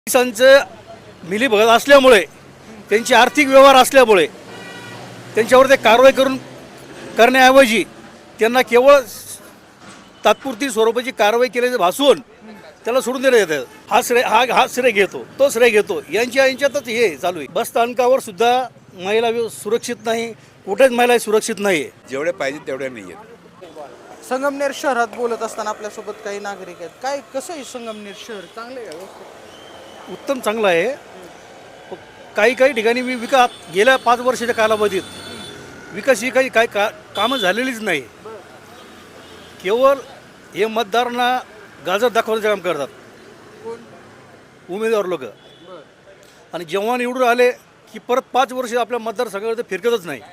पोलिसांचं मिलीभगत असल्यामुळे त्यांची आर्थिक व्यवहार असल्यामुळे त्यांच्यावर ते कारवाई करण्याऐवजी त्यांना केवळ तात्पुरती स्वरूपाची कारवाई केल्याचं भासून त्याला सोडून देण्यात येतं. हा श्रेय घेतो, तो श्रेय घेतो, यांच्यातच हे चालू आहे. बस स्थानकावर सुद्धा महिला सुरक्षित नाही, कुठेच महिला सुरक्षित नाही. जेवढे पाहिजे तेवढे नाही आहेत. संगमनेर शहरात बोलत असताना आपल्यासोबत काही नागरिक आहेत. काय कसं आहे संगमनेर शहर? चांगलं आहे का? उत्तम चांगलं आहे. काही ठिकाणी गेल्या 5 वर्षाच्या कालावधीत विकास ही काही कामं झालेलीच नाही. केवळ हे मतदारांना गाजर दाखवण्याचं काम करतात उमेदवार लोक, आणि जेव्हा निवडून आले की परत 5 वर्ष आपल्या मतदारसंघामध्ये फिरकतच नाही.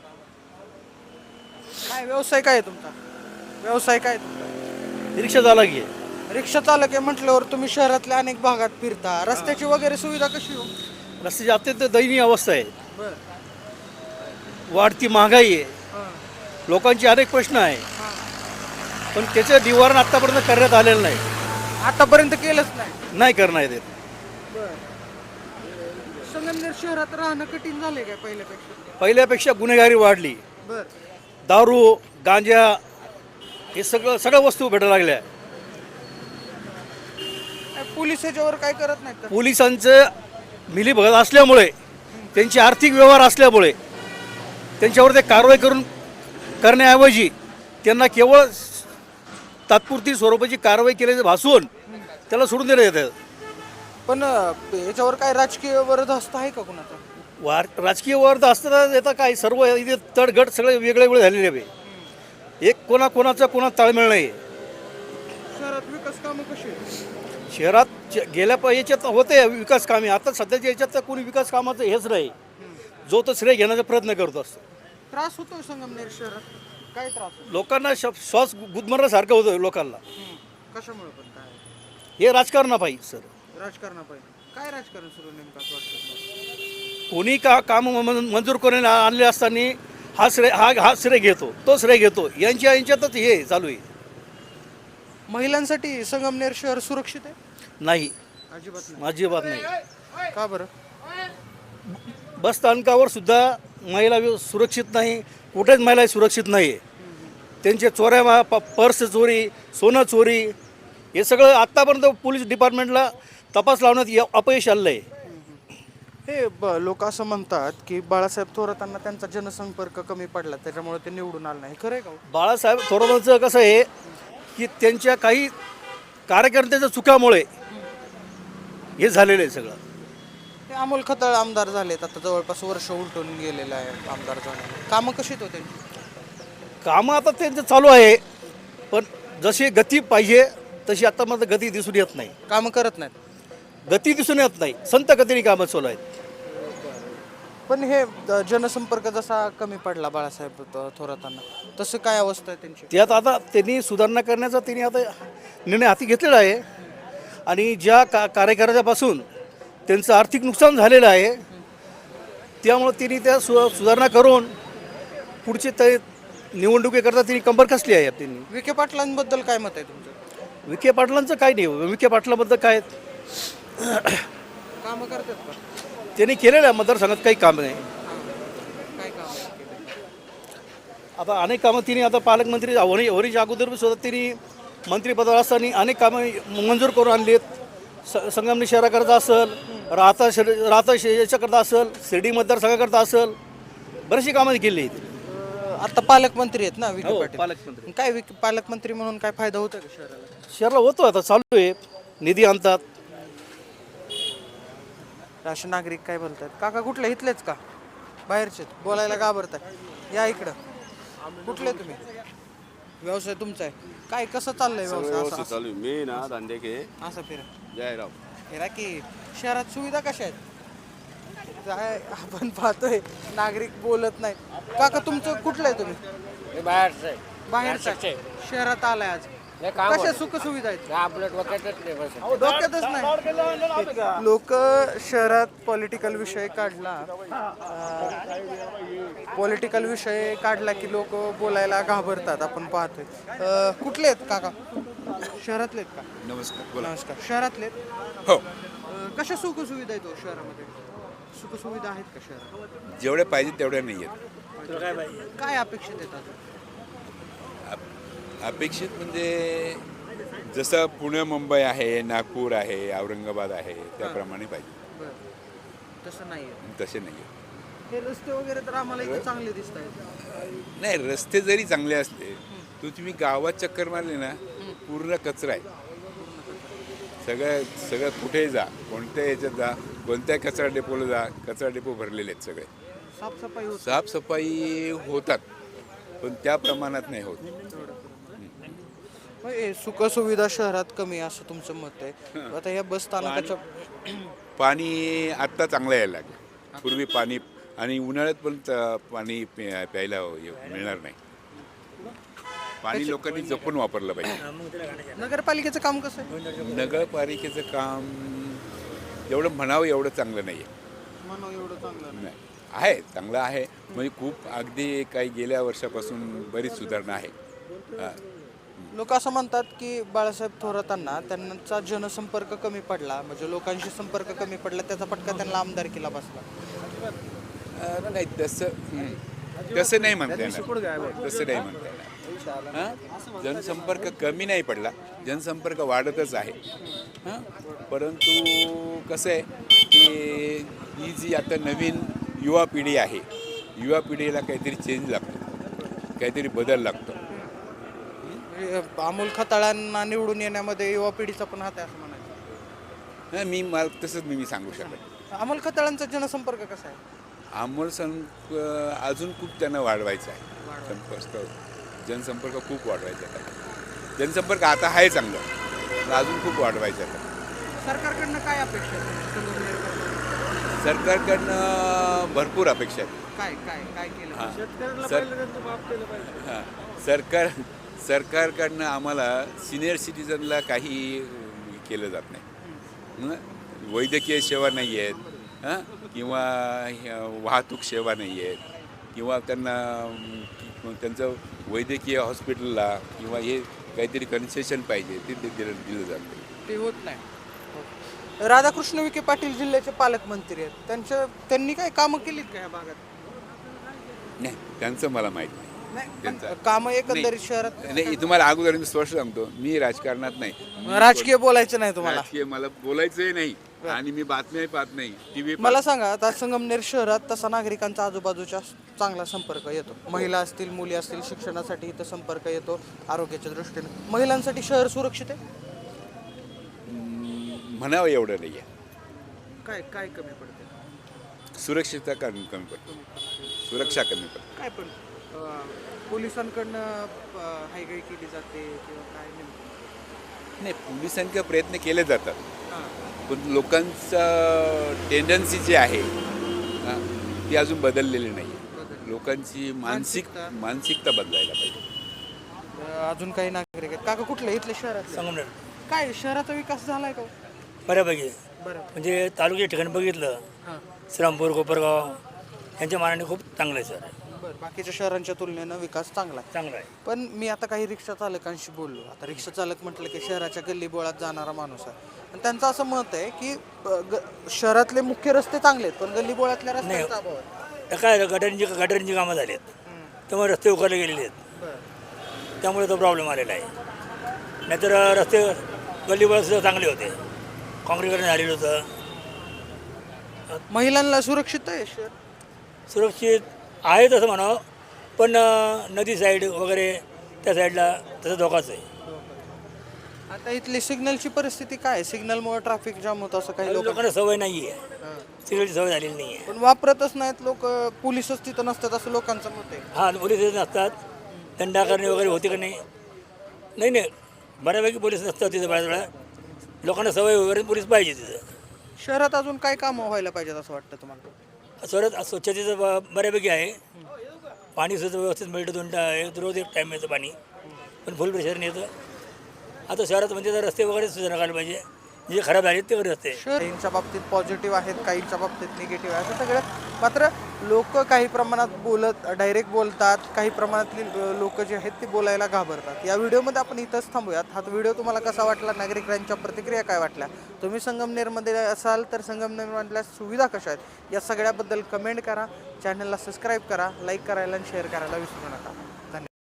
काय व्यवसाय काय आहे तुमचा? व्यवसाय काय आहे तुमचा? रिक्षा चालक आहे. रिक्षा चालक आहे म्हटल्यावर तुम्ही शहरातल्या अनेक भागात फिरता. रस्त्याची वगैरे सुविधा कशी हो? रस्त्याची अत्यंत दयनीय अवस्था आहे. वाढती महागाई आहे, लोकांचे अनेक प्रश्न आहे, पण त्याचं निवारण आतापर्यंत करण्यात आलेलं नाही. आतापर्यंत केलंच नाही करण्यात येत. संगमनेर शहरात राहणं कठीण झालंय काय पहिल्यापेक्षा गुन्हेगारी वाढली. दारू, गांजा हे सगळ्या वस्तू भेटायला लागल्या. पोलीस याच्यावर काय करत नाहीत का? पोलिसांचं मिलीभगत असल्यामुळे त्यांची आर्थिक व्यवहार असल्यामुळे त्यांच्यावर ते कारवाई करण्याऐवजी त्यांना केवळ तात्पुरती स्वरूपाची कारवाई केल्याचं भासून त्याला सोडून देण्यात येतं. पण याच्यावर काय राजकीय वरदहस्त आहे का कुणाचा? राजकीय वर्ध असताना येतं काय, सर्व इथे तडगट सगळे वेगळे झालेले आहे. एक कोणाचा ताळमेळ नाही. शहरात विकास कामं कशी आहेत? शहरात याच्यात होते विकास कामे. आता सध्याच्या याच्यात तर कोणी विकास कामाचं हेच नाही. जो तो श्रेय घेण्याचा प्रयत्न करत असतो. त्रास होतोय संगमनेर शहरात? काय त्रास होतो? लोकांना श्वास गुदमरण्यासारखं होतं लोकांना. कशामुळे पण काय? हे राजकारणापायी सर. राजकारणापायी काय राजकारण सुरू नेमकं असं वाटतं? कोणी काम मंजूर करून आणले असताना हा श्रेय घेतो, तो श्रेय घेतो, यांच्यातच हे चालू आहे. महिलांसाठी संगमनेर शहर सुरक्षित आहे? नाही, अजिबात नाही. का बरं? बस स्थानकावर सुद्धा महिला सुरक्षित नाही, कुठेच महिला सुरक्षित नाही आहे. त्यांचे चोऱ्या, पर्स चोरी, सोनं चोरी हे सगळं आत्तापर्यंत पोलीस डिपार्टमेंटला तपास लावण्यात अपयश आलेलं आहे. हे लोक असं म्हणतात की बाळासाहेब थोरातांना त्यांचा जनसंपर्क कमी पडला, त्याच्यामुळे ते निवडून आले नाही. खरं आहे का? बाळासाहेब थोरातांचं कसं आहे की त्यांच्या काही कार्यकर्त्याच्या चुकामुळे हे झालेलं आहे सगळं. ते अमोल खताळ आमदार झालेत, आता जवळपास वर्ष उलटून गेलेलं आहे आमदार झाले. कामं कशी होते? कामं आता त्यांचं चालू आहे, पण जशी गती पाहिजे तशी आता मात्र गती दिसून येत नाही. कामं करत नाहीत, गती दिसून येत नाही. संत गतीने कामं चालू आहेत. पण हे जनसंपर्क जसा कमी पडला बाळासाहेब थोरातांना, तसं काय अवस्था आहे त्यांची? त्यात आता त्यांनी सुधारणा करण्याचा त्यांनी आता निर्णय हाती घेतलेला आहे. आणि ज्या कार्यकर्त्यापासून त्यांचं आर्थिक नुकसान झालेलं आहे, त्यामुळं त्यांनी त्या सुधारणा करून पुढचे ते निवडणुकीकरता त्यांनी कंबर कसली आहे. त्यांनी विखे पाटलांबद्दल काय मत आहे तुमचं? विखे पाटलांचं काय नाही. विखे पाटलाबद्दल काय कामं करतात का? त्यांनी केलेलं आहे मतदारसंघात काही काम नाही. काय काम? आता अनेक कामं तिने आता पालकमंत्री होण्याच्या अगोदर सुद्धा त्यांनी मंत्रिपदावर असताना अनेक कामं मंजूर करून आणली आहेत. संगमनेर शहराकरता असेल, राहता याच्याकरता असेल, शिर्डी मतदारसंघाकरता असेल, बरीचशी कामं केली आहेत. आता पालकमंत्री आहेत ना विखे पाटील? पालकमंत्री. काय पालकमंत्री म्हणून काय फायदा होतो का शहराला होतो. आता चालू आहे, निधी आणतात. असे नागरिक काय बोलतात? काका कुठले? इथलेच का बाहेरचे? बोलायला घाबरताय? या इकडं. कुठले तुम्ही? व्यवसाय तुमचा आहे काय? कसं चाललंय व्यवसाय? चालू आहे. मी ना धंदे के असं फिरा जयराव. फिरा की. शहरात सुविधा कशा आहेत? काय आपण पाहतोय नागरिक बोलत नाही. काका तुमचं कुठलं आहे? तुम्ही बाहेरचं शहरात आलाय आज. कशा सुख सुविधा आहेत? डोक्यातच नाही. लोक शहरात पॉलिटिकल विषय काढला की लोक बोलायला घाबरतात. आपण पाहतोय. कुठले आहेत काका? शहरातले आहेत का? नमस्कार. नमस्कार. शहरातले हो. कशा सुखसुविधा आहेत शहरामध्ये? सुखसुविधा आहेत का शहरात? जेवढ्या पाहिजेत तेवढ्या नाही आहेत. काय अपेक्षित आहेत अजून? अपेक्षित म्हणजे जसं पुणे मुंबई आहे, नागपूर आहे, औरंगाबाद आहे, त्याप्रमाणे पाहिजे. बरं, तसं नाही आहे. तसे नाही आहेत. हे रस्ते वगैरे तर आम्हाला इथे चांगले दिसत आहेत. नाही, रस्ते जरी चांगले असले तर तुम्ही गावात चक्कर मारले ना, पूर्ण कचरा आहे. सगळं कुठेही जा, कोणत्या याच्यात जा, कोणत्या कचरा डेपोला जा, कचरा डेपो भरलेले आहेत सगळे. साफसफाई होत साफसफाई होतात पण त्या प्रमाणात नाही होत. सुखसुविधा शहरात कमी आहे असं तुमचं मत आहे. आता या बस स्थानकाच्या पाणी आत्ता चांगलं यायला लागलं. पूर्वी पाणी आणि उन्हाळ्यात पण पाणी प्यायला मिळणार नाही. पाणी लोकांनी जपून वापरलं पाहिजे. नगरपालिकेचं काम कसं आहे? नगरपालिकेचं काम एवढं म्हणावं एवढं चांगलं नाही म्हणून एवढं चांगलं आहे. आहे चांगलं आहे म्हणजे खूप अगदी काही गेल्या वर्षापासून बरीच सुधारणा आहे. लोक असं म्हणतात की बाळासाहेब थोरातांना त्यांचा जनसंपर्क कमी पडला, म्हणजे लोकांशी संपर्क कमी पडला, त्याचा फटका त्यांना आमदारकीला बसला. नाही तसं नाही म्हणता येणार. तसं नाही म्हणता येणार. हां, जनसंपर्क कमी नाही पडला, जनसंपर्क वाढतच आहे. हां, परंतु कसं आहे की ही जी आता नवीन युवा पिढी आहे, युवा पिढीला काहीतरी चेंज लागतो, काहीतरी बदल लागतो. अमोल खताळांना निवडून येण्यामध्ये युवा पिढीचा पण हात आहे असं म्हणायचं. नाही, मला तसंच मी सांगू शकत. अमोल खताळांचा जनसंपर्क कसा आहे? अमोल अजून खूप त्यांना वाढवायचं आहे. जनसंपर्क खूप वाढवायचा आहे. जनसंपर्क आता आहे चांगलं, पण अजून खूप वाढवायचं आहे. सरकारकडनं काय अपेक्षा आहे? सरकारकडनं भरपूर अपेक्षा आहेत. काय काय काय केलं? सरकारकडनं आम्हाला सिनियर सिटीजनला काही केलं जात नाही. वैद्यकीय सेवा नाही आहेत, हां, किंवा वाहतूक सेवा नाही आहेत, किंवा त्यांना त्यांचं वैद्यकीय हॉस्पिटलला किंवा हे काहीतरी कन्सेशन पाहिजे ते दिलं जातं. ते होत नाही. राधाकृष्ण विखे पाटील जिल्ह्याचे पालकमंत्री आहेत, त्यांनी काय कामं केलीत का या भागात? नाही, त्यांचं मला माहीत नाही. कामं एकंदरीत शहरात नाही. तुम्हाला अगोदर मी स्पष्ट सांगतो, मी राजकारणात नाही. राजकीय बोलायचं नाही तुम्हाला? राजकीय मला बोलायचंही नाही आणि मी बातम्याही पाहत नाही, टीव्ही. मला सांगा, आता संगमनेर शहरात तसा नागरिकांचा आजूबाजूच्या चांगला संपर्क येतो. महिला असतील, मुली असतील, शिक्षणासाठी इथं संपर्क येतो. आरोग्याच्या दृष्टीने महिलांसाठी शहर सुरक्षित आहे? म्हणावं एवढं नाही आहे. काय काय कमी पडते? सुरक्षितता कमी पडते, सुरक्षा कमी पडते. काय पण पोलिसांकडनं हायगाई केली जाते किंवा काय नाही, पोलिसांचे प्रयत्न केले जातात, पण लोकांचं टेंडन्सी जी आहे ती अजून बदललेली नाही. लोकांची मानसिकता बदलायला पाहिजे. अजून काही नागरिक आहेत काका? कुठले इथले शहरात? संगमनेर. काय शहराचा विकास झालाय का? बऱ्यापैकी. बरं. म्हणजे तालुक्याच्या ठिकाणी बघितलं, श्रीरामपूर, कोपरगाव यांच्या मानाने खूप चांगलं आहे सर. बरं, बाकीच्या शहरांच्या तुलनेनं विकास चांगला आहे. चांगलं आहे. पण मी आता काही रिक्षा चालकांशी बोललो. आता रिक्षा चालक म्हटलं की शहराच्या गल्लीबोळात जाणारा माणूस आहे, आणि त्यांचं असं मत आहे की शहरातले मुख्य रस्ते चांगले आहेत, पण गल्लीबोळातल्या रस्त्यांचा अभाव आहे. काय गटारींची कामं झाली आहेत, त्यामुळे रस्ते उकारले गेलेले आहेत, त्यामुळे तो प्रॉब्लेम आलेला आहे. नाहीतर रस्ते गल्लीबोळात सुद्धा चांगले होते, काँक्रीकरण झालेलं होतं. महिलांना सुरक्षित आहे शहर? सुरक्षित आहे तसं म्हणावं, पण नदी साईड वगैरे त्या साईडला तसं धोकाच आहे. आता इथली सिग्नलची परिस्थिती काय आहे? सिग्नलमुळे ट्रॅफिक जाम होतं असं काही लोकांना सवय नाही आहे, सिग्नलची सवय झालेली नाही आहे. पण वापरतच नाहीत लोक. पोलिसच तिथं नसतात असं लोकांचं मत आहे. हां, पोलीस नसतात. दंडा करणे वगैरे होते का नाही? नाही, बऱ्यापैकी पोलीस नसतात तिथं. बऱ्याच वेळा लोकांना सवय वगैरे पोलीस पाहिजे तिथं. शहरात अजून काय कामं व्हायला पाहिजेत असं वाटतं तुम्हाला? शहरात स्वच्छतेचं बऱ्यापैकी आहे. पाणीसुद्धा व्यवस्थित मिळतं, रोज एक टाईम येतं पाणी, पण फुल प्रेशरने येतं. आता शहरात म्हणजे तर रस्ते वगैरे सुधारणा करायला पाहिजे, जे खराब झाले ते रस्ते. काहींच्या बाबतीत पॉझिटिव्ह आहेत, काहींच्या बाबतीत निगेटिव्ह आहेत, असं सगळं. मात्र लोक काही प्रमाणात डायरेक्ट बोलतात, काही प्रमाणातली लोक जे आहेत ते बोलायला घाबरतात. या व्हिडिओमध्ये आपण इथंच थांबूयात. हा व्हिडिओ तुम्हाला कसा वाटला, नागरिकांच्या प्रतिक्रिया काय वाटल्या, तुम्ही संगमनेरमध्ये असाल तर संगमनेरमधल्या सुविधा कशा आहेत या सगळ्याबद्दल कमेंट करा. चॅनलला सबस्क्राईब करा, लाईक करायला आणि शेअर करायला विसरू नका. धन्यवाद.